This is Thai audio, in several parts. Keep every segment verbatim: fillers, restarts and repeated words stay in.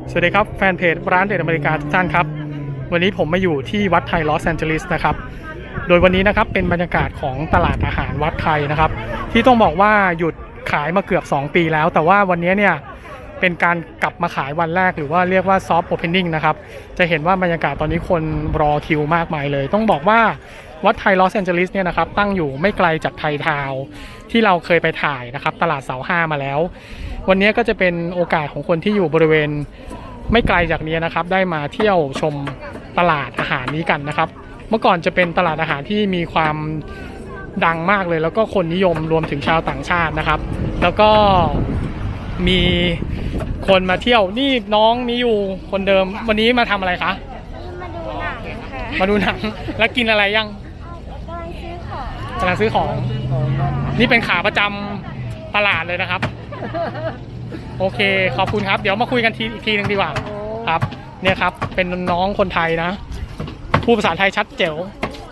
สวัสดีครับแฟนเพจร้านเด็ดอเมริกาทุกท่านครับวันนี้ผมมาอยู่ที่วัดไทยลอสแอนเจลิสนะครับโดยวันนี้นะครับเป็นบรรยากาศของตลาดอาหารวัดไทยนะครับที่ต้องบอกว่าหยุดขายมาเกือบสองปีแล้วแต่ว่าวันนี้เนี่ยเป็นการกลับมาขายวันแรกหรือว่าเรียกว่าซอฟต์โอเพนนิ่งนะครับจะเห็นว่าบรรยากาศตอนนี้คนรอคิวมากมายเลยต้องบอกว่าวัดไทยลอสแอนเจลิสเนี่ยนะครับตั้งอยู่ไม่ไกลจากไทยทาวน์ที่เราเคยไปถ่ายนะครับตลาดเสาห้ามาแล้ววันนี้ก็จะเป็นโอกาสของคนที่อยู่บริเวณไม่ไกลจากนี้นะครับได้มาเที่ยวชมตลาดอาหารนี้กันนะครับเมื่อก่อนจะเป็นตลาดอาหารที่มีความดังมากเลยแล้วก็คนนิยมรวมถึงชาวต่างชาตินะครับแล้วก็มีคนมาเที่ยวนี่น้องมีอยู่คนเดิมวันนี้มาทำอะไรคะมาดูหนังค่ะมาดูหนังแล้วกินอะไรยังกำลังซื้อของกำลังซื้อของนี่เป็นขาประจำตลาดเลยนะครับโอเคขอบคุณครับเดี๋ยวมาคุยกันทีอีกทีนึงดีกว่าครับเนี่ยครับเป็นน้องคนไทยนะพูดภาษาไทยชัดเจ๋ว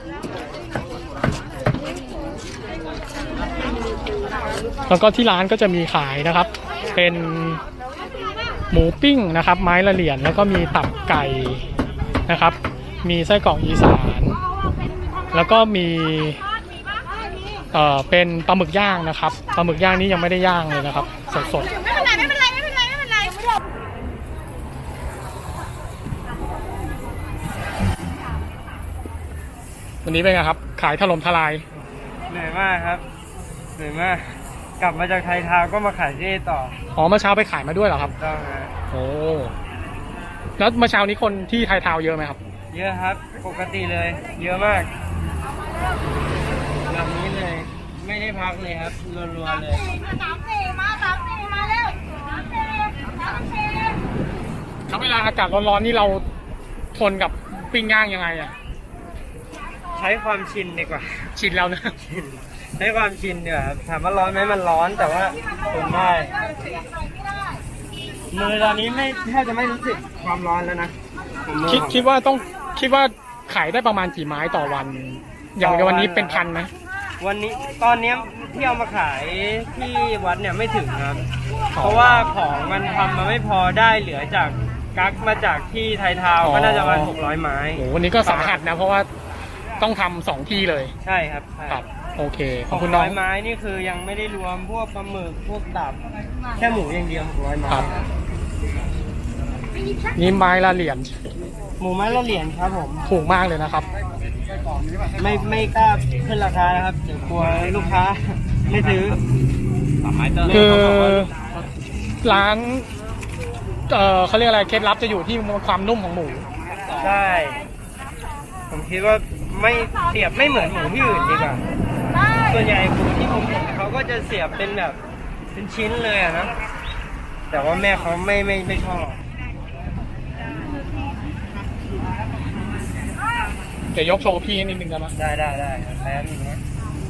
แล้วก็ที่ร้านก็จะมีขายนะครับเป็นหมูปิ้งนะครับไม้ละเหรียญแล้วก็มีตับไก่นะครับมีไส้กรอกอีสานแล้วก็มีเอ่อเป็นปลาหมึกย่างนะครับปลาหมึกย่างนี้ยังไม่ได้ย่างเลยนะครับสดๆไม่เป็นไรไม่เป็นไรไม่เป็นไรไม่เป็นไรวันนี้เป็นไงครับขายถล่มทลายเหนื่อยมากครับเหนื่อยมากกลับมาจากไทยทาวน์ก็มาขายที่นี่ต่ออ๋อเมื่อเช้าไปขายมาด้วยเหรอครับต้องฮะโอ้แล้วเมื่อเช้านี้คนที่ไทยทาวน์เยอะไหมครับเยอะครับปกติเลยเยอะมากแบบนี้เลยไม่ได้พักเลยครับรัวๆเลยสามสี่มาสามสี่มาเร็วสามสี่สามสี่แล้วเวลาอากาศร้อนๆนี่เราทนกับปิ้งย่างยังไงอ่ะใช้ความชินดีกว่าชินแล้วนะใช้ความชินเดี๋ยวครับถามว่าร้อนไหมมันร้อนแต่ว่าทนได้มือตอนนี้ไม่แทบจะไม่รู้สึกความร้อนแล้วนะคิดคิดว่าต้องคิดว่าขายได้ประมาณกี่ไม้ต่อวันอย่างในวันนี้เป็นพันไหมวันนี้ตอนนี้ที่เอามาขายที่วัดเนี่ยไม่ถึงครับเพราะว่าของมันทำมาไม่พอได้เหลือจากกั๊กมาจากที่ไทยทาวน์ก็น่าจะประมาณหกร้อยไม้โอ้วันนี้ก็สาหัสนะเพราะว่าต้องทำสองที่เลยใช่ครับครับโอเคขอบคุณน้องหกร้อยไม้นี่คือยังไม่ได้รวมพวกปลาหมึกพวกตับแค่หมูอย่างเดียวหกร้อยไม้นี่ไม้ละเหรียญหมูไม้ละเหรียญครับผมถูกมากเลยนะครับไม่ไม่กล้าขึ้นราคานะครับเดี๋ยวกลัวลูกค้าไม่ซื้อคือร้านเออเขาเรียกอะไรเคล็ดลับจะอยู่ที่ความนุ่มของหมูใช่ผมคิดว่าไม่เสียบไม่เหมือนหมูที่อื่นดีกว่าส่วนใหญ่หมูที่ผมเห็นเขาก็จะเสียบเป็นแบบเป็นชิ้นเลยอะนะแต่ว่าแม่เขาไม่ไม่ไม่ชอบเดี๋ยวยกโชว์พี่นิดนึงได้ไหมได้ได้ได้แป๊บนึงนะ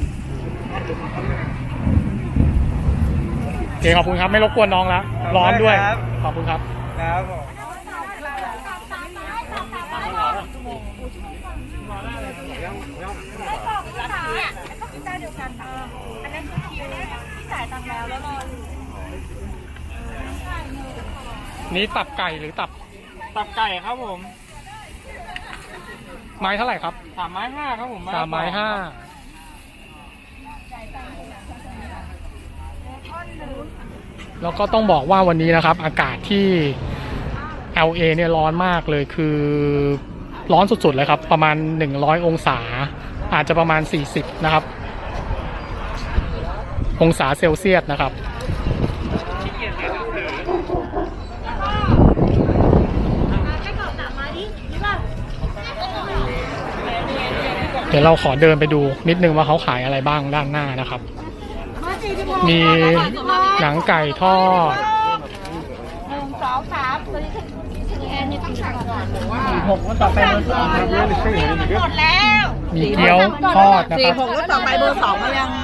โอเคขอบคุณครับไม่รบกวนน้องแล้วร้อนด้วยขอบคุณครับครับผมนี่ตับไก่หรือตับตับไก่ครับผมไม้เท่าไหร่ครับสามไม้ห้าครับผมสามไม้ห้าแล้วก็ต้องบอกว่าวันนี้นะครับอากาศที่ แอล เอ เนี่ยร้อนมากเลยคือร้อนสุดๆเลยครับประมาณหนึ่งร้อยองศาอาจจะประมาณสี่สิบนะครับองศาเซลเซียสนะครับเดี๋ยวเราขอเดินไปดูนิดนึงว่าเขาขายอะไรบ้างด้านหน้านะครับมีหนังไก่ทอดหนึ่งสองสามตัวนี้ถึงแอนนี่ต้องสั่งก่อนหรือว่าหกแล้วต่อไปเบอร์สองหมดแล้วมีเกี๊ยวทอดนะครับสี่หกแล้วต่อไปเบอร์สองมายัง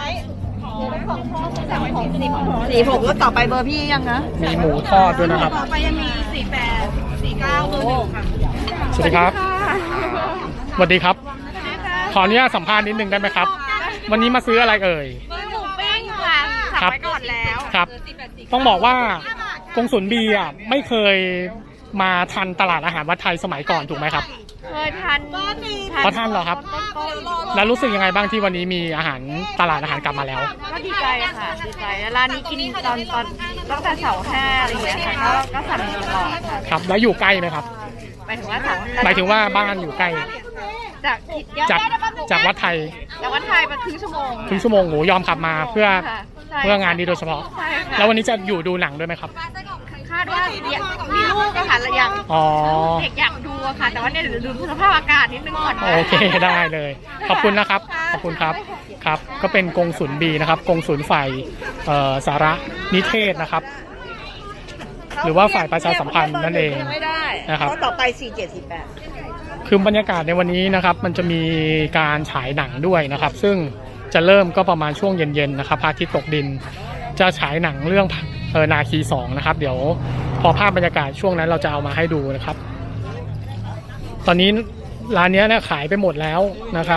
สี่หกแล้วต่อไปเบอร์พี่ยังนะมีหมูทอดด้วยนะครับต่อไปยังมีสี่แปดสี่เก้าเบอร์หนึ่งค่ะสวัสดีครับสวัสดีครับขออนุญาตสัมภาษณ์นิดนึงได้ไหมครับวันนี้มาซื้ออะไรเอ่ยหมูปิ้งค่ะสั่งไปก่อนแล้วครับต้องบอกว่ากงสุลบีอ่ะไม่เคยมาทันตลาดอาหารวัดไทยสมัยก่อนถูกไหมครับเคยทันพอทันเหรอครับต้นๆแล้วรู้สึกยังไงบ้างที่วันนี้มีอาหารตลาดอาหารกลับมาแล้วก็ดีใจค่ะดีใจแล้วร้านนี้กินตอนตอนตั้งแต่เสาร์ห้าอะไรอย่างเงี้ยค่ะก็ก็สั่งตลอดค่ะครับ แล้วอยู่ใกล้ไหมครับหมายถึงว่าเสาร์หมายถึงว่าบ้านอยู่ใกล้จากจากจากวัดไทยจากวัดไทยมาครึ่งชั่วโมงครึ่งชั่วโมงโหยอมขับมาเพื่อค่ะใช่เพื่องานนี้โดยเฉพาะใช่ค่ะแล้ววันนี้จะอยู่ดูหนังด้วยไหมครับคาดว่าอยากมีลูกอะค่ะแล้วอยากอ๋อเด็กอยากดูอะค่ะ แต่ว่าเนี่ยเดี๋ยวดูสภาพอากาศนิดนึงก่อนนะโอเคได้เลย ขอบคุณนะครับ ขอบคุณครับ ครับ ก็เป็นกงสุลบีนะครับ กงสุลฝ่ายเอ่อสารนิเทศนะครับ หรือว่าฝ่ายประชาสัมพันธ์นั่นเองไม่ได้นะครับเพราะต่อไปสี่เจ็ดสี่แปดคือบรรยากาศในวันนี้นะครับ มันจะมีการฉายหนังด้วยนะครับ ซึ่งจะเริ่มก็ประมาณช่วงเย็นๆนะครับพระอาทิตย์ตกดิน จะฉายหนังเรื่องเออนาคีสองนะครับ เดี๋ยวพอภาพบรรยากาศช่วงนั้นเราจะเอามาให้ดูนะครับ ตอนนี้ร้านนี้เนี่ยขายไปหมดแล้วนะครับ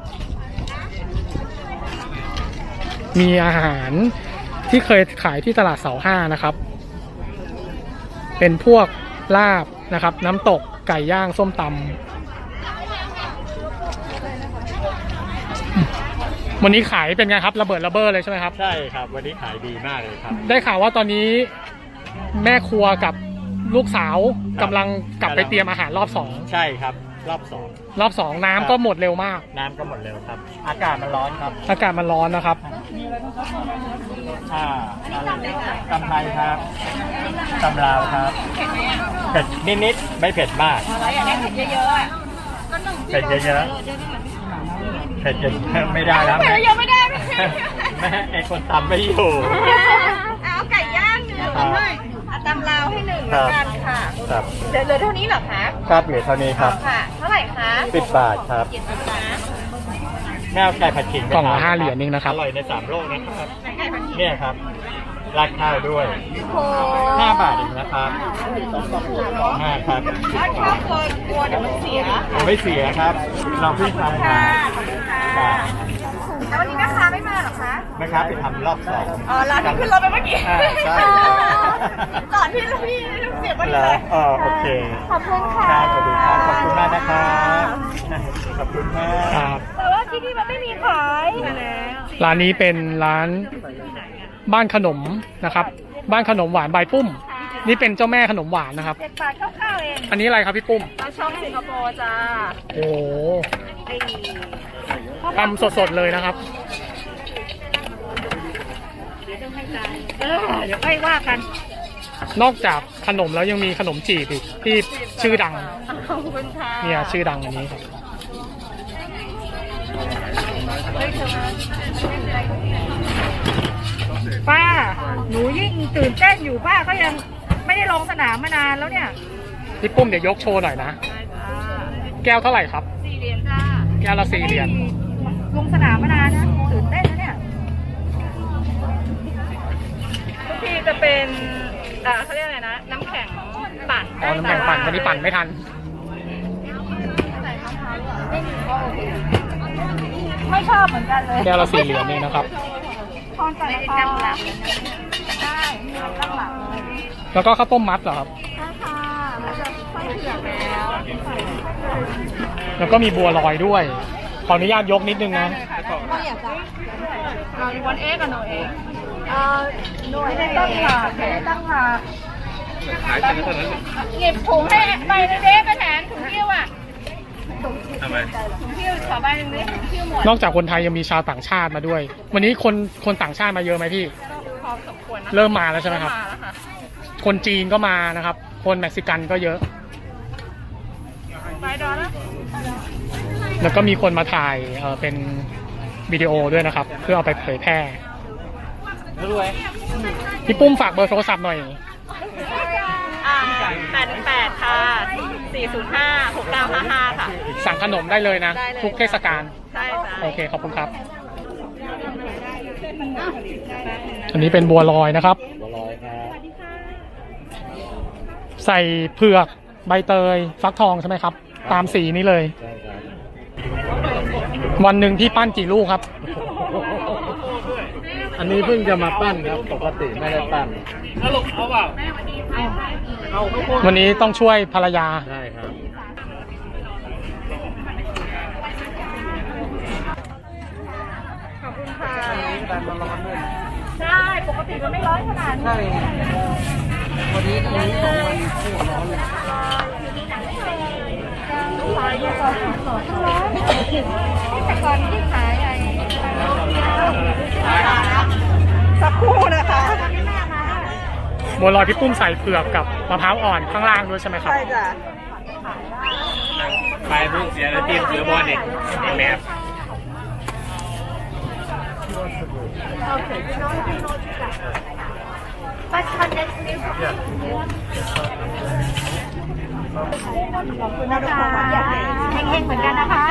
มีอาหารที่เคยขายที่ตลาดเสาห้านะครับ เป็นพวกลาบนะครับ น้ำตกไก่ย่างส้มตำวันนี้ขายเป็นไงครับระเบิดระเบ้อเลยใช่ไหมครับใช่ครับวันนี้ขายดีมากเลยครับได้ข่าวว่าตอนนี้แม่ครัวกับลูกสาวกำลังกลับไปเตรียมอาหารรอบสองใช่ครับรอบสองรอบสองน้ำก็หมดเร็วมากน้ำก็หมดเร็วครับ อากาศมันร้อนครับอากาศมันร้อนนะครับอ่าตำไทยครับตำลาวครับเผ็ดนิดๆไม่เผ็ดมากเราอยากได้เผ็ดเยอะๆอะเผ็ดเยอะๆเผ็ดเยอะๆไม่ได้แล้วเผ็ดเยอะไม่ได้ไม่ได้แม่ไอคนตำไม่อยู่เอาไก่ย่างหนึ่งครับเอาตำลาวให้หนึ่งแล้วกันค่ะครับเหลือเหลือเท่านี้เหรอคะครับเหลือเท่านี้ครับค่ะ เท่าไหร่คะสิบบาทครับเจ็ดสิบบาทแม่เอาไก่ผัดขิงไปกล่องละทนห้าเหรียญเองนะครับอร่อยในสามโลกนะครับไก่ผัดขิงเนี่ยครับราดข้าวด้วยโอ้ห้าบาทเองนะครับห้าครับถ้าชอบกลัวกลัวเดี๋ยวมันเสียไม่เสียครับลองพี่ทำค่ะมาขอบคุณค่ะแล้ววันนี้แม่ค้าไม่มาเหรอคะแม่ค้าไปทำรอบสองอ๋อร้านที่ขึ้นรถไปเมื่อกี้อ่าใช่อ๋อก่อนที่ลูกพี่ลูกเสียพอดีเหรเลอย อ๋อโอเคขอบคุณค่ะครับสวัสดีครับขอบคุณมากนะครับขอบคุณมากครับแต่ว่าที่นี่มันไม่มีขายไปแล้วร้านนี้เป็นร้านบ้านขนมนะครับ บ้านขนมหวานใบปุ้ม นี่เป็นเจ้าแม่ขนมหวานนะครับเจ็ดบาทคร่าวๆเองอันนี้อะไรครับพี่ปุ้มเราช่องสิงคโปร์จ้าโอ้โหไอ้ทำสดๆเลยนะครับเออเดี๋ยวค่อยว่ากันนอกจากขนมแล้วยังมีขนมจีบอีกที่ชื่อดังขอบคุณค่ะเนี่ยชื่อดังอันนี้ครับป้า หนูยิ่งตื่นเต้นอยู่ป้าก็ยังไม่ได้ลงสนามมานานแล้วเนี่ยพี่ปุ้มเดี๋ยวยกโชว์หน่อยนะ แก้วเท่าไหร่ครับสี่เหรียญจ้าแก้วละสี่เหรียญลงสนามมานานนะตื่นเต้นนะเนี่ยทุกทีจะเป็นอ่าเขาเรียกอะไรนะ น้ำแข็งปั่นอ๋อน้ำแข็งปั่นวันนี้ปั่นไม่ทันไม่ชอบเหมือนกันเลยแก้วละสี่เหรียญนี่นะครับทอนจากละครหลักได้ตั้งหลักเลยแล้วก็ข้าวต้มมัดเหรอครับใช่ค่ะมันจะค่อยเผือกแล้วแล้วก็มีบัวลอยด้วย ขออนุญาตยกนิดนึงนะก็อยากจะเราวันเอ็กกับโนเอ็กเอ่อหน่วยไม่ได้ตั้งหลักไม่ได้ตั้งหลักหยิบถุงให้ใบนึงเด้กระแถนถุงเที่ยวอ่ะทำไมถุงเที่ยวขอใบหนึ่งดิถุงเที่ยวหมดนอกจากคนไทยยังมีชาวต่างชาติมาด้วย วันนี้คนคนต่างชาติมาเยอะไหมพี่พอสมควรนะเริ่มมาแล้วใช่ไหมครับมาแล้วค่ะคนจีนก็มานะครับ คนเม็กซิกันก็เยอะใบดอลแล้วแล้วก็มีคนมาถ่ายเอ่อเป็นวิดีโอด้วยนะครับ เพื่อเอาไปเผยแพร่พี่ปุ้มฝากเบอร์โทรศัพท์หน่อยอ่าแปดหนึ่งแปดค่ะสี่ศูนย์ห้าหกเก้าห้าห้าค่ะสั่งขนมได้เลยนะได้เลยทุกเทศกาลใช่จ้ะโอเค ขอบคุณครับ อันนี้เป็นบัวลอยนะครับบัวลอยครับใส่เผือกใบเตย ฟักทองใช่ไหมครับ ตามสีนี้เลยใช่ครับวันหนึ่งพี่ปั้นกี่ลูกครับอันนี้เพิ่งจะมาปั้นครับปกติไม่ได้ปั้นแล้วลงเอาเปล่าวันนี้ต้องช่วยภรรยาได้ครับใช่ปกติมันไม่ร้อนขนาดนี้ใช่วันนี้วันนี้สองวันคู่ร้อนเลยขายดีกว่าขอร้อนแต่ก่อนที่ขายไอ้สักครู่นะคะบัวลอยพี่ปุ้มใส่เผือกกับมะพร้าวอ่อนข้างล่างด้วยใช่ไหมครับใช่จ้ะไปพุ่งเสียแล้วทีมเสือบอลเด็กแมสปัจจุบันนี้ขอบคุณนะคะเฮงๆเหมือนกันนะคะ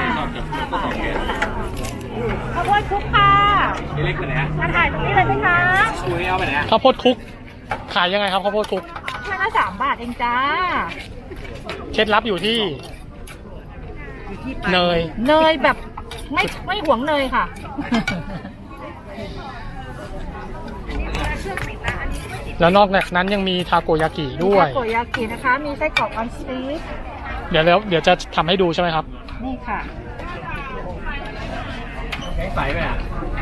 ขบวนคุกค่ะเล็กไปไหนฮะมาถ่ายตรงนี้เลยไหมคะคุยเอาไปไหนฮะข้าวโพดคลุก ขายยังไงครับข้าวโพดคลุกแค่ละสามบาทเองจ้าเคล็ดลับอยู่ที่เนยเนยแบบไม่ไม่หวงเนยค่ะแล้วนอกจากนั้นยังมีทาโกยากิด้วยทาโกยากินะคะ มีไส้กรอกออนสตีฟเดี๋ยวแล้วเดี๋ยวจะทำให้ดูใช่ไหมครับนี่ค่ะแกงใสไหมอ่ะ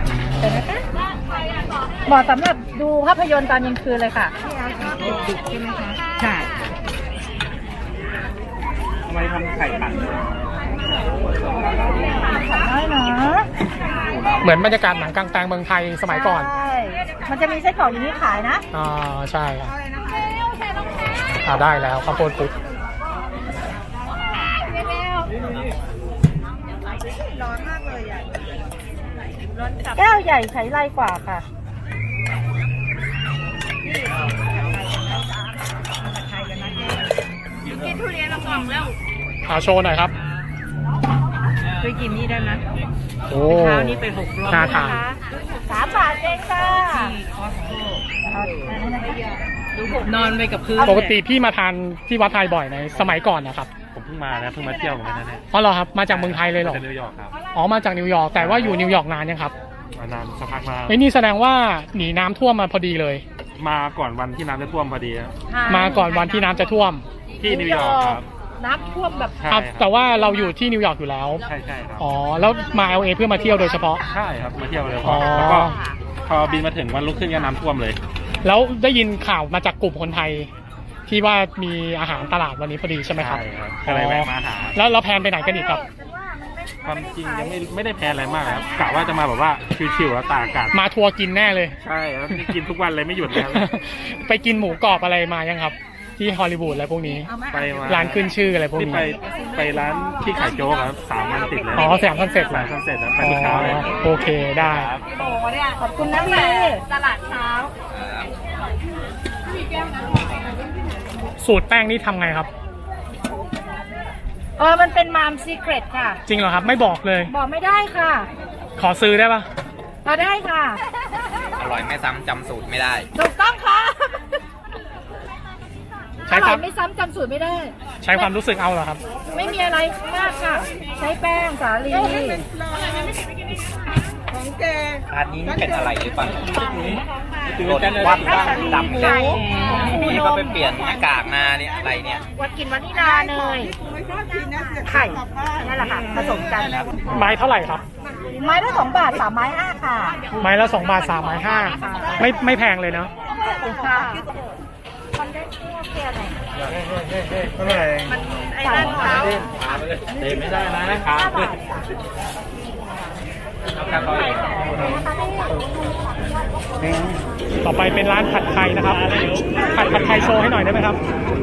เหมาะสำหรับดูภาพยนตร์ตอนกลางคืนเลยค่ะดึกๆใช่ไหมคะ ใช่ทำไมทำไข่ปั่นได้นะเหมือนบรรยากาศหนังกลางแปลงเมืองไทยสมัยก่อนใช่ มันจะมีไส้กรอกอย่างนี้ขายนะอ่าใช่ครับอ่าได้แล้วข้าวโพดคลุกแก้วใหญ่ใช้ไรกว่าค่ะ กินทุเรียนละกล่องแล้วเอาโชว์หน่อยครับเคยกินนี่ได้ไหมโอ้เช้านี้ไปหกรอบน่าทานสามบาทเองค่ะนอนไปกับพื้นปกติพี่มาทานที่วัดไทยบ่อยในสมัยก่อนนะครับผมเพิ่งมานะเพิ่งมาเที่ยวเหมือนกันนะเนี่ยอ๋อเหรอครับมาจากเมืองไทยเลยเหรอเป็นนิวยอร์กครับอ๋อมาจากนิวยอร์กแต่ว่าอยู่นิวยอร์กนานยังครับมานานสักพักมาไอ้ยนี่แสดงว่าหนีน้ำท่วมมาพอดีเลยมาก่อนวันที่น้ำจะท่วมพอดีครับมาก่อนวันที่น้ำจะท่วมที่นิวยอร์กครับน้ำท่วมแบบใช่อ่ะคแต่รับว่าเราอยู่ที่นิวยอร์กอยู่แล้วใช่ใช่ครับอ๋อแล้วมา แอล เอ เพื่อมาเที่ยวโดยเฉพาะใช่ครับมาเที่ยวเลยอ๋อแล้วก็พอบินมาถึงวันรุ่งขึ้นก็น้ำท่วมเลยแล้วได้ยินข่าวมาจากกลุ่มคนไทย ที่ว่ามีอาหารตลาดวันนี้พอดีใช่ไหมครับใช่ครับก็เลยแวะมาหาแล้วเราแพลนไปไหนกันอีกครับความจริงยังไม่ไม่ได้แพลนอะไรมากครับกะว่าจะมาแบบว่าชิวๆแล้วตากอากาศมาทัวร์กินแน่เลยใช่ครับนี่กินทุกวันเลยไม่หยุดเลยครับไปกินหมูกรอบอะไรมายังครับ ที่ฮอลลีวูดอะไรพวกนี้ไปมาร้านขึ้นชื่ออะไรพวกนี่นี้ไปไปร้านที่ขายโจ๊กครับสามวันติดเลยอ๋อแสงคอนเซ็ปต์สามคอนเซ็ปต์ครับไปทุกเช้าเลยอ๋อโอเคได้ครับขอบคุณนะพี่ตลาดเช้าสูตรแป้งนี่ทำไงครับเออ มันเป็นมามซีเครตค่ะจริงเหรอครับ ไม่บอกเลยบอกไม่ได้ค่ะขอซื้อได้ปะมาได้ค่ะอร่อยไม่ซ้ำจำสูตรไม่ได้ถูกต้องค่ะอใช้ร่คอวาย มไม่ซ้ำจำสูตรไม่ได้ใช้ความรู้สึกเอาเหรอครับไม่มีอะไรมากค่ะ ใช้แป้งสาลีของแกร้านนี้เป็นอะไรหรือเปล่าตื่นรสเต้นเลยวัดบ้างดำไก่นี่ก็ไปเปลี่ยนหน้ากากมาเนี่ยอะไรเนี่ยวัดกินวานิลาเนยไข่นั่นแหละค่ะผสมกันไม้เท่าไหร่ครับไม้ละสองบาทสามไม้ห้าค่ะไม้ละสองบาทสามไม้ห้าไม่ไม่แพงเลยเนาะค่ะมันได้ทั่วเพียไหนเท่าไหร่ไอ้ด้านเท้าเต็มไม่ได้นะนะครับห้าบาทครับต่อไปเป็นร้านผัดไทยนะครับ ผัดผัดไทยโชว์ให้หน่อยได้ไหมครับ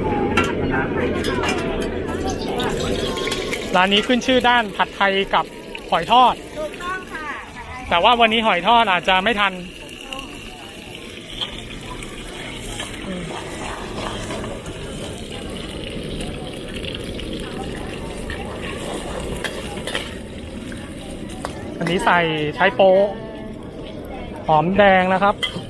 ร้านนี้ขึ้นชื่อด้านผัดไทยกับหอยทอดถูกต้องค่ะแต่ว่าวันนี้หอยทอดอาจจะไม่ทัน อันนี้ใส่ใช้โป๊ะหอมแดงนะครับ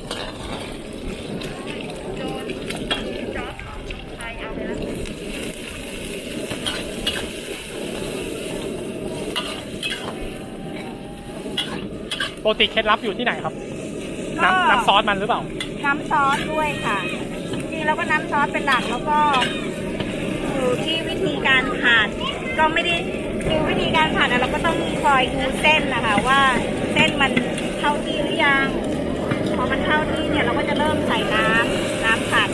ปกติเคล็ดลับอยู่ที่ไหนครับ น้ำน้ำซอสมันหรือเปล่าน้ำซอสด้วยค่ะ จริงๆแล้วก็น้ำซอสเป็นหลักแล้วก็อยู่ที่วิธีการผัดก็ไม่ได้คือวิธีการผัดอะเราก็ต้องคอยดูเส้นนะคะว่าเส้นมันเข้าที่หรือยังพอมันเข้าที่เนี่ยเราก็จะเริ่มใส่น้ำน้ำผัด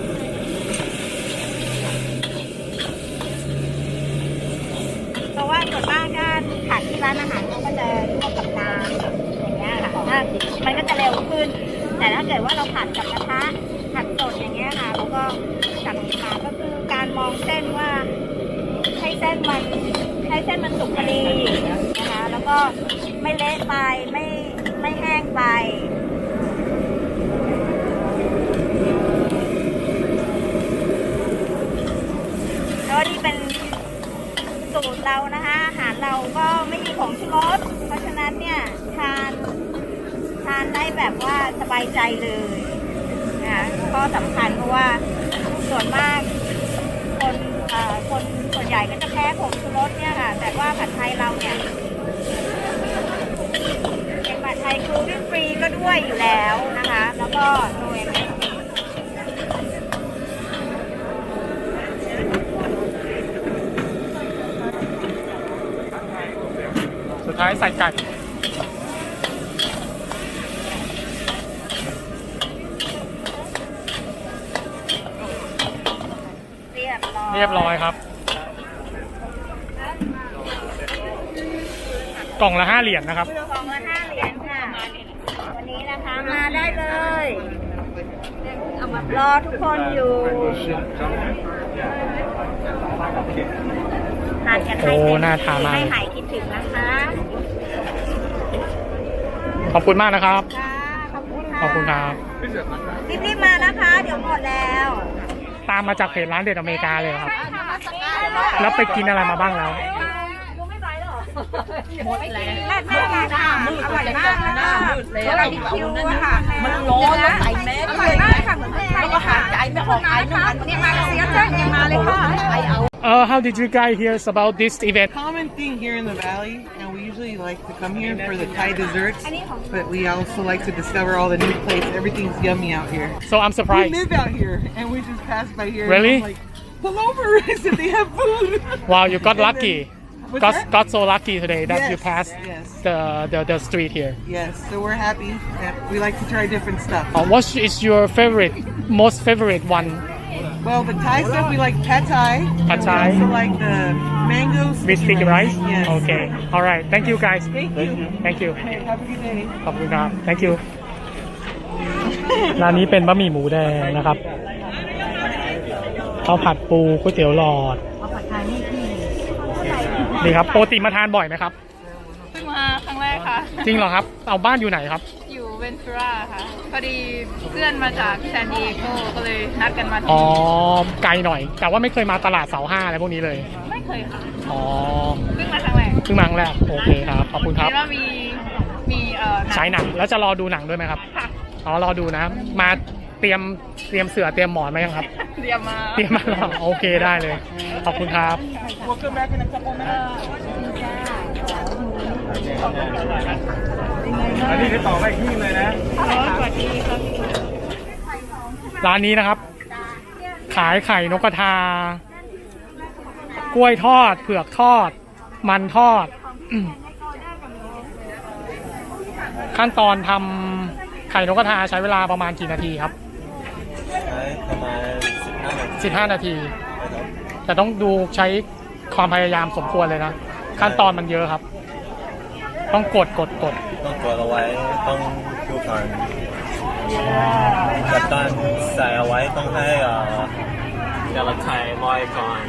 เพราะว่าส่วนมากถ้าผัดที่ร้านอาหารเขาก็จะลวกกับน้ำอย่างเงี้ยค่ะถ้ามันก็จะเร็วขึ้น แต่ถ้าเกิดว่าเราผัดกับกระทะผัดสดอย่างเงี้ยค่ะแล้วก็จับมาก็คือการมองเส้นว่าให้เส้นมันให้เส้นมันสุกพอดีนะคะแล้วก็ไม่เละไปไม่ไม่แห้งไปแล้วนี่เป็นสูตรเรานะคะอาหารเราก็ไม่มีผงชูรสเพราะฉะนั้นเนี่ยทานทานได้แบบว่าสบายใจเลยนะคะก็สำคัญเพราะว่าส่วนมากคนเอ่อคนส่วนใหญ่ก็จะแพ้ผงชูรสเนี่ยค่ะแต่ว่าผัดไทยเราเนี่ยเป็นผัดไทยกลูเตนฟรีก็ด้วยอยู่แล้วนะคะแล้วก็โดยสุดท้ายใส่ไก่เรียบร้อยเรียบร้อยครับ กล่องละห้าเหรียญนะครับกล่องละห้าเหรียญค่ะวันนี้นะคะมาได้เลยรอทุกคนอยู่ทานกันให้โอ้น่าทานมากให้หายคิดถึงนะคะขอบคุณมากนะครับค่ะขอบคุณค่ะขอบคุณครับรีบๆมานะคะ เดี๋ยวหมดแล้วตามมาจากเพจร้านเด็ดอเมริกาเลยครับ แล้วไปกินอะไรมาบ้างแล้วหมดแล้วราดหน้าราดหน้าอร่อยมากนะคะอร่อยดิคิวอะค่ะมันร้อนแล้วใส่แมสอร่อยมากค่ะเหมือนไทยแล้วก็หายใจไม่ออกไอไม่ทันนี่มาเสียใจยังมาเลยค่ะไอเอา Uh, how did you guys hear about this event? Common thing here in the valley, and we usually like to come here for the Thai desserts, but we also like to discover all the new places. Everything's yummy out here. So I'm We surprised. live out here, and we just pass by here. Really? And I'm like, pull over! So they have food. Wow, you got And then- lucky. What's Got, that? got so lucky today that you Yes, passed yes. the, the the street here. Yes, so we're happy that we like to try different stuff. Uh, what is your favorite, most favorite one? Well, the Thai stuff we like pad Thai. Pad and Thai. We also like the mango With sticky rice? Yes. Okay. All right. Thank you guys. Thank you. Thank you. Have a good day. ขอบคุณครับ thank you ร้านนี้เป็นบะหมี่หมูแดงนะครับข้าวผัดปูก๋วยเตี๋ยวหลอดนี่ครับปกติมาทานบ่อยไหมครับเพิ่งมาครั้งแรกค่ะจริงเหรอครับ เอาบ้านอยู่ไหนครับอยู่เวนทูราค่ะ พอดีเพื่อนมาจากซานดิเอโกก็เลยนัดกันมาที่อ๋อนี่ไกลหน่อย แต่ว่าไม่เคยมาตลาดเสาห้าอะไรพวกนี้เลยไม่เคยค่ะอ๋อเพิ่งมาครั้งแรกเพิ่งมาครั้งแรก โอเคครับ ขอบคุณครับเห็นว่ามีมีเอ่อฉายหนัง แล้วจะรอดูหนังด้วยไหมครับค่ะอ๋อ รอดูนะ มาเตรียม เตรียมเสือ เตรียมหมอนไหมยังครับเตรียมมาเตรียมมาแล้วโอเคได้เลย ขอบคุณครับ We'll come back in a couple minutes. อันนี้คือต่อไปอีกที่เลยนะร้านนี้นะครับ ขายไข่นกกระทา กล้วยทอด เผือกทอด มันทอด อืมขั้นตอนทำไข่นกกระทาใช้เวลาประมาณกี่นาทีครับใช้ประมาณสิบห้านาทีสิบห้านาที แต่ต้องดูใช้ความพยายามสมควรเลยนะ ขั้นตอนมันเยอะครับ ต้องกดกดกดต้องกดเอาไว้ต้องดูก่อนกัปตันใส่เอาไว้ต้องให้เอ่อแต่ละไข่ลอยก่อน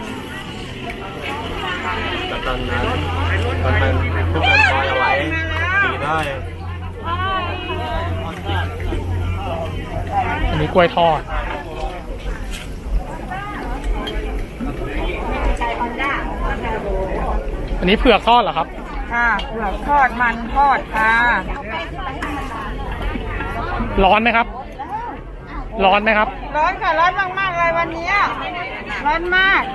กัปตันนั้นกัปตันทุกคนลอยเอาไว้ดีได้อันนี้กล้วยทอด อันนี้เผือกทอดเหรอครับค่ะเผือกทอดมันทอดค่ะร้อนไหมครับ ร้อนไหมครับร้อนค่ะร้อนมากๆเลยวันนี้ร้อนมาก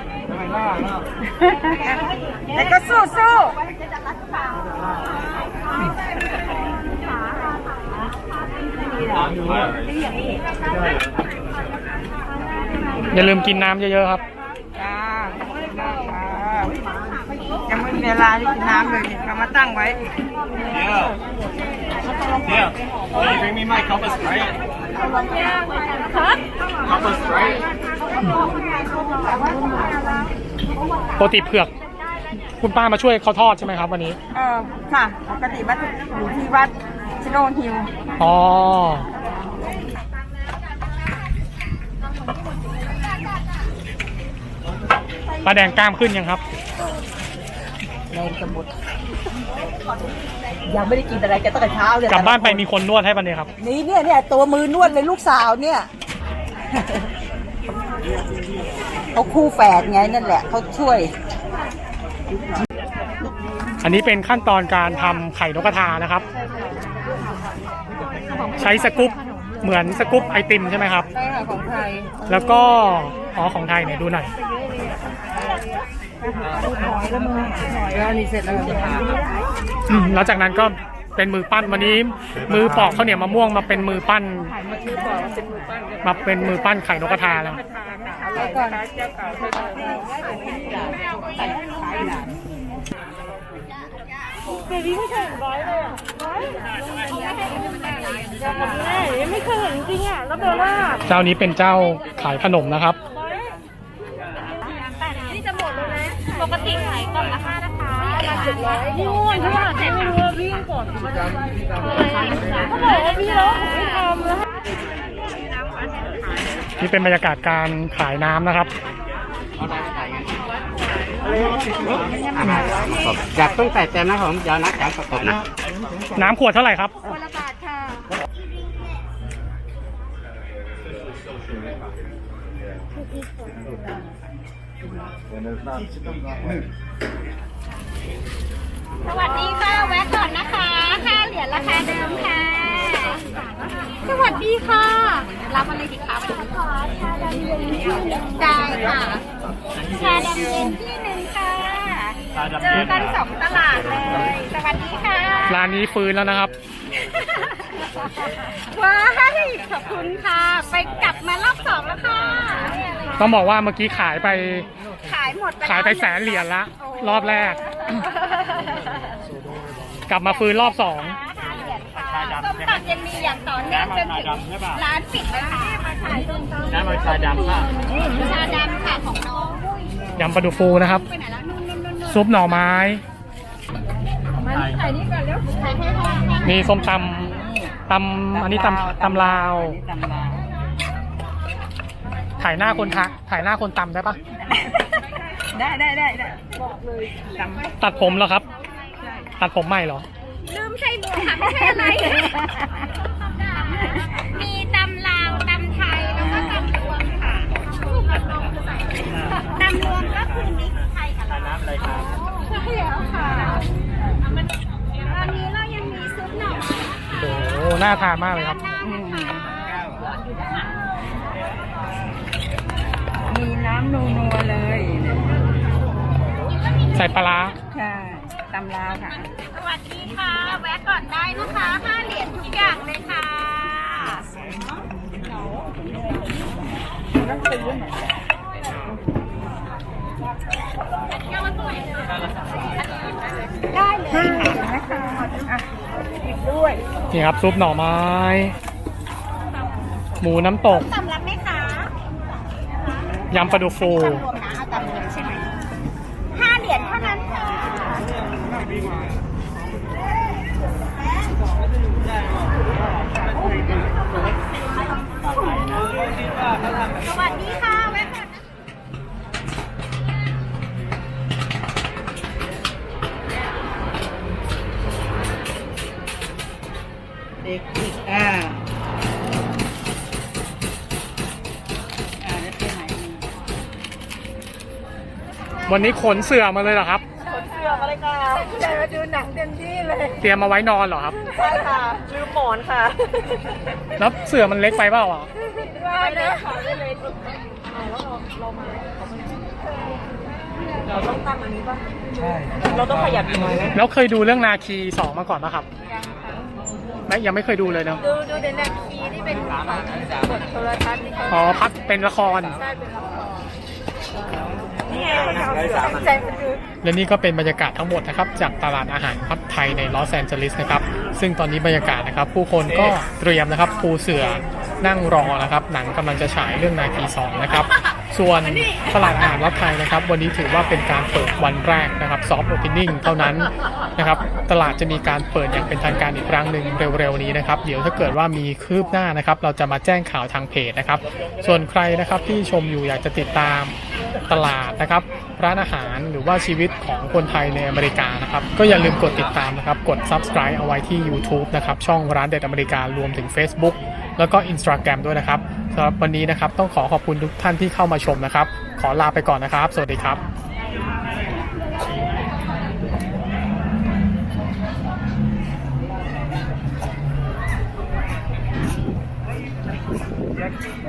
แต่ก็สู้สู้อย่าลืมกินน้ำเยอะๆครับจ้าขอบคุณมากค่ะยังไม่มีเวลาที่กินน้ำเลยเรามาตั้งไว้ Yeah. Yeah. Can you bring me my cup of Sprite? Cup of Sprite. ปกติเผือก คุณป้ามาช่วยเขาทอดใช่ไหมครับวันนี้เออค่ะปกติวัดอยู่ที่วัดชิโนฮิลอ๋อปลาแดงกล้ามขึ้นยังครับยังไม่ได้กินอะไรกันตั้งแต่เช้าเลยกลับบ้านไปมีคนนวดให้ปะเนี่ยครับนี่เนี่ยเนี่ยตัวมือนวดเลยลูกสาวเนี่ย เขาคู่แฝดไงนั่นแหละเขาช่วยอันนี้เป็นขั้นตอนการทำไข่นกกระทานะครับ ใช้สกู๊ปเหมือนสกู๊ปไอติมใช่ไหมครับใช่ค่ะของไทยแล้วก็อ๋อของไทยเนี่ยดูหน่อยแล้วนี่เสร็จแล้วอืมแล้วจากนั้นก็เป็นมือปั้นวันนี้ มือปอกข้าวเหนียวมะม่วงมาเป็นมือปั้น มาเป็นมือปั้นไข่นกกระทาแล้วแล้วก่อนเจ้าเก่าเคยเจ้านี้เป็นเจ้าขายขนมนะครับนี่จะหมดเลยนะปกติขายกล่องละห้านะคะมาถึงร้อยนู่นที่ว่าไม่รู้ว่าวิ่งก่อนเขาบอกว่าพี่แล้วผมไม่ทำแล้วนี่เป็นบรรยากาศการขายน้ำนะครับอยากต้องใส่เต็มนะผมเดี๋ยวนัดจากประกบนะน้ำขวดเท่าไหร่ครับคนละบาทค่ะ สวัสดีค่ะ แวะก่อนนะคะค่าเหรียญราคาเดิมค่ะ สวัสดีค่ะ รับอะไรดีคะวันนี้ขอชาดำเย็นที่หนึ่งได้ค่ะ ชาดำเย็นที่หนึ่งค่ะ เจอกันสองตลาดเลย สวัสดีค่ะร้านนี้ฟื้นแล้วนะครับว้ายขอบคุณค่ะ ไปกลับมารอบสองแล้วค่ะต้องบอกว่าเมื่อกี้ขายไปขายหมดขายไปแสนเหรียญละ รอบแรก กลับมาฟื้นรอบสองส้มตำยังมีอย่างต่อเนื่องจนถึงร้านปิดเลยค่ะมาขายส้มตำน้ำมันชาดำค่ะชาดำค่ะของน้องยำปลาดุกฟูนะครับไปไหนแล้วนู่นนู่นนู่นนู่นซุปหน่อไม้ขายนี่ก่อนเร็วขายให้พ่อมีส้มตำตำอันนี้ตำตำลาวตำลาวถ่ายหน้าคนทะถ่ายหน้าคนตำได้ปะได้ได้ได้ได้บอกเลยตำตัดผมเหรอครับ ตัดผมใหม่เหรอลืมใช่หมวกค่ะไม่ใช่อะไร มีตำลาวตำไทยแล้วก็ตำรวมค่ะตำรวมก็คือมิกซ์ไทยกับลาวน้ำอะไรครับใช่แล้วค่ะตอนนี้เรายังมีซุปหน่อไม้โอ้โหน่าทานมากเลยครับมีน้ำนัวๆเลยใส่ปลาร้าใช่ตำลาวค่ะสวัสดีค่ะ แวะก่อนได้นะคะห้าเหรียญทุกอย่างเลยค่ะ ได้เลยค่ะนี่ครับซุปหน่อไม้ หมูน้ำตกตำรับไหมคะยำปลาดุกฟูตำรวมนะเอาตำรวมใช่ไหมห้าเหรียญเท่านั้นค่ะสวัสดีค่ะแวะก่อนนะเด็กอีกอ่าอ่าแล้วไปไหนดีวันนี้ขนเสื่อมาเลยเหรอครับเสือมาเลยค่ะใจมาดูหนังเต็มที่เลยเตรียมมาไว้นอนเหรอครับใช่ค่ะลืมหมอนค่ะแล้วเสื่อมันเล็กไปเปล่าอ่ะไม่เลยค่ะไม่เลยเราต้องตั้งอันนี้ป่ะ ใช่ เราต้องขยับอีกหน่อยไหมแล้วเคยดูเรื่องนาคีสองมาก่อนป่ะครับไม่ยังไม่เคยดูเลยเนาะดูดูเดนนาคีนี่เป็นของบทโทรทัศน์ที่เขาอ๋อพักเป็นละครได้เป็นละครและนี่ก็เป็นบรรยากาศทั้งหมดนะครับจากตลาดอาหารวัดไทยในลอสแอนเจลิสนะครับซึ่งตอนนี้บรรยากาศนะครับผู้คนก็เตรียมนะครับปูเสื่อนั่งรอนะครับหนังกำลังจะฉายเรื่องนาคีสองนะครับส่วนตลาดอาหารวัดไทยนะครับวันนี้ถือว่าเป็นการเปิดวันแรกนะครับซอฟต์โอเพนนิ่งเท่านั้นนะครับตลาดจะมีการเปิดอย่างเป็นทางการอีกครั้งหนึ่งเร็วๆนี้นะครับเดี๋ยวถ้าเกิดว่ามีคืบหน้านะครับเราจะมาแจ้งข่าวทางเพจนะครับส่วนใครนะครับที่ชมอยู่อยากจะติดตามตลาดนะครับร้านอาหารหรือว่าชีวิตของคนไทยในอเมริกานะครับก็อย่าลืมกดติดตามนะครับกด Subscribe เอาไว้ที่ YouTube นะครับช่องร้านเด็ดอเมริการวมถึง Facebook แล้วก็ Instagram ด้วยนะครับสำหรับวันนี้นะครับต้องขอขอบคุณทุกท่านที่เข้ามาชมนะครับขอลาไปก่อนนะครับสวัสดีครับ